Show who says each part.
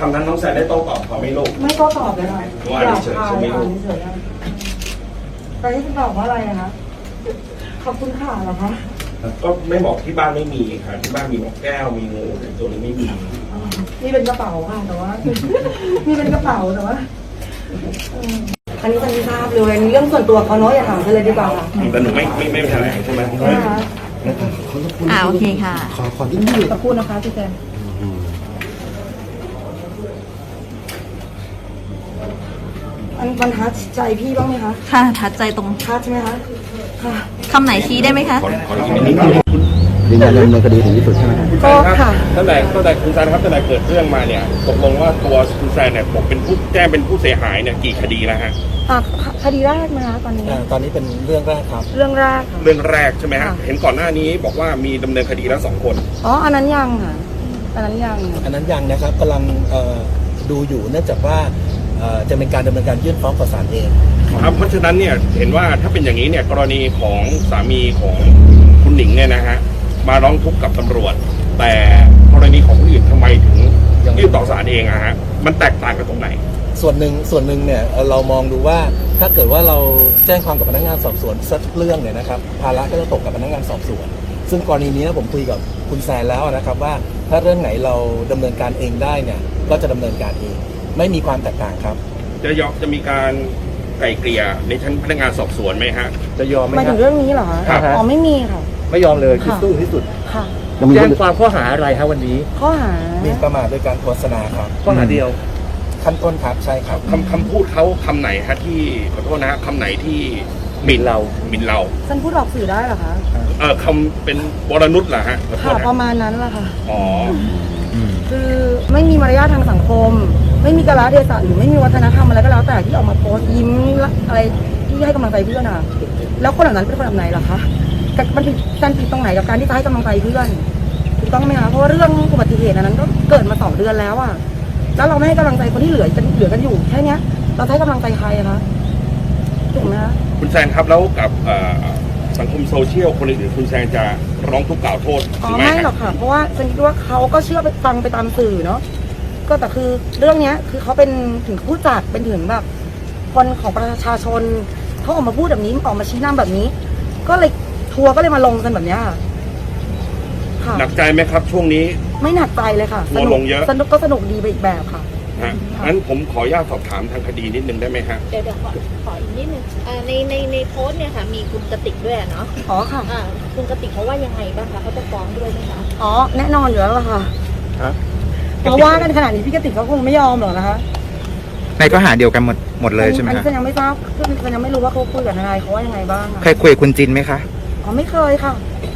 Speaker 1: คำนั้นน้องแซนได้โต้ตอบเขาไม่ลูก
Speaker 2: ไม่ก็ตอบเลยค่ะ
Speaker 1: ว่าเฉยๆใช่ไหมลูก
Speaker 2: เฉยๆแต่ที่คุณตอบว่าอะไรนะคะขอบคุณค่ะเหรอคะ
Speaker 1: ก็ไม่บอกที่บ้านไม่มีค่ะที่บ้านมีนกแก้วมีงูแต่ตัวนี้ไม่มี
Speaker 2: นี่เป็นกระเป๋าค่ะแต่ว่า นี่เป็นกระเป๋าแต่ว่าอันนี้คนที่ทราบเลยอันนี้เรื่องส่วนตัวเขาเนาะอย่าถามกันเลยดีกว่าค่ะ
Speaker 1: แต่หนูไม่แถลงใช่ไหม
Speaker 2: นะคะ
Speaker 3: โอเคค่ะ
Speaker 4: ขอนิดนึง
Speaker 2: สักครู่นะคะพี่แจนมันทัดใจพี่บ้างไหมคะ
Speaker 3: ค่ะทัดใจตรง
Speaker 2: ทัดใช่ไหมคะค่ะ
Speaker 3: คำไหนชี้ได้ไหมคะ
Speaker 1: ขออีกนิดนึง
Speaker 4: ยืนยันดำเนินคดีถึงที่สุดใช่ไหมครับ
Speaker 2: ก็ค่ะ
Speaker 1: ตั้งแต่คุณแซนครับตั้งแต่เกิดเรื่องมาเนี่ยตกลงว่าตัวคุณแซนเนี่ยบอกเป็นผู้แจ้งเป็นผู้เสียหายเนี่ยกี่คดีแล้วฮะ
Speaker 2: คดีแรกนะคะตอนนี้
Speaker 4: ตอนนี้เป็นเรื่องแรกครับ
Speaker 2: เรื่องแรกค่ะ
Speaker 1: เรื่องแรกใช่ไหมฮะ
Speaker 2: ค่ะ
Speaker 1: เห็นก่อนหน้านี้บอกว่ามีดำเนินคดีแล้ว2 คน
Speaker 2: อ๋ออันนั้นยังค่ะอันนั้นยัง
Speaker 4: อันนั้นยังนะครับกำลังดูอยู่เนื่องจากว่าจะเป็นการดำเนินการยื่นฟ้องต่อศาลเอง
Speaker 1: ครับเพราะฉะนั้นเนี่ยเห็นว่าถ้าเป็นอย่างนี้เนี่ยกรณีของสามีของคุณหนิงเนี่ยนะฮะมาร้องทุกข์กับตำรวจ แต่กรณีของคนอื่นทำไมถึงยื่นต่อศาลเองอะฮะมันแตกต่างกันตรงไหน
Speaker 4: ส่วนหนึ่งเนี่ยเรามองดูว่าถ้าเกิดว่าเราแจ้งความกับพนักงานสอบสวนสักเรื่องเนี่ยนะครับภาระก็จะตกกับพนักงานสอบสวนซึ่งกรณีนี้ผมคุยกับคุณแซนแล้วนะครับว่าถ้าเรื่องไหนเราดำเนินการเองได้เนี่ยก็จะดำเนินการเองไม่มีความแตกต่างครับ
Speaker 1: จะมีการไกล่เกลี่ยในชั้นพนักงานสอบสวนไหมฮะ
Speaker 4: จะยอมไหม
Speaker 2: หมาย
Speaker 4: ค
Speaker 2: ถึ
Speaker 4: รับ
Speaker 2: งเรื่องนี้เหรอคะ
Speaker 1: ครับ
Speaker 2: อ๋อไม่มีค่ะ
Speaker 4: ไม่ยอมเลยคือ
Speaker 2: ค่ะ
Speaker 4: สู้ที่สุด
Speaker 2: ค่ะ
Speaker 4: แจ้งความข้อหาอะไรครับวันนี้
Speaker 2: ข้อหา
Speaker 4: หมิ่นประมาทโดยการโฆษณาครับ
Speaker 5: ข้อหาเดียว
Speaker 4: ขั้นต้นครับใช่ครับ
Speaker 1: คำพูดเขาคำไหนฮะที่ขอโทษนะฮะคำไหนที่หมิ่นเรา
Speaker 2: ฉันพูดออกสื่อได้เหรอคะ
Speaker 1: คำเป็นวรนุชเหรอฮะขอโท
Speaker 2: ค่ะ
Speaker 1: ษ
Speaker 2: ป
Speaker 1: นะ
Speaker 2: ระมาณนั้นแหละค่ะ
Speaker 1: อ๋อ
Speaker 2: คือไม่มีมารยาททางสังคม ไม่มีกาลเทศะหรือไม่มีวัฒนธรรมอะไรก็แล้วแต่ที่ออกมาโพสต์ยิ้มอะไรที่ให้กำลังใจเพื่อนอ่ะแล้วคนเหล่านั้นเป็นคนแบบไหนล่ะคะมันผิดการผิดตรงไหนกับการที่จะให้กำลังใจเพื่อนถูกต้องไหมคะเพราะว่าเรื่องอุบัติเหตุอันนั้นก็เกิดมา2 เดือนแล้วอ่ะแล้วเราไม่ให้กำลังใจคนที่เหลือกันอยู่แค่เนี้ยเราจะให้กำลังใจใครอะคะถูกไหมคะ
Speaker 1: คุณแซนครับแล้วกับสังคมโซเชียลคนอื่นๆคุณแซนจะร้องทุกข์กล่าวโทษ
Speaker 2: อ๋
Speaker 1: ห
Speaker 2: อ
Speaker 1: รือไม่
Speaker 2: ไม่หรอกค่ะ เพราะว่าฉันคิดว่าเขาก็เชื่อไปฟังไปตามสื่อเนาะก็แต่คือเรื่องเนี้ยคือเขาเป็นถึงผู้จัดเป็นถึงแบบคนของประชาชนเขาออกมาพูดแบบนี้ออกมาชี้นำแบบนี้ ก็เลยทัวร์ก็เลยมาลงกันแบบเนี้ยค่ะ
Speaker 1: หนักใจไหมครับช่วงนี้
Speaker 2: ไม่หนักใจเลยค่ะ
Speaker 1: ทัวร์ลงเยอะ
Speaker 2: สนุกก็สนุกดีไปอีกแบบค่ะ
Speaker 1: ฮะงั้นผมขออนุญาตสอบถามทางคดีนิดนึงได้ไหมฮะ
Speaker 3: เดี๋ยวขออีกนิดนึงในโพสต์เนี่ยค่ะมีคุณกติกด้วยเนาะ
Speaker 2: อ๋อค่ะ
Speaker 3: คุณกติกเขาว่ายังไงบ้างคะเขาจะฟ้องด้วยไหมคะ
Speaker 2: อ๋อแน่นอนอยู่แล้วล่ะค่ะ
Speaker 5: ครับ
Speaker 2: เพราะว่ากันขนาดนี้พี่กติกเขาคงไม่ยอมหรอกนะคะ
Speaker 6: ในข้อหาเดียวกันหมดเลยใช่ไหม
Speaker 2: อัน
Speaker 6: ค
Speaker 2: นี้
Speaker 6: รับ
Speaker 2: ฉันยังไม่ทราบคือฉันยังไม่รู้ว่าเขาคุยกับทนายเขาว่ายังไงบ้างอะ
Speaker 6: เคยคุยกับคุณจินไหมคะ
Speaker 2: อ๋อไม่เคยค่ะ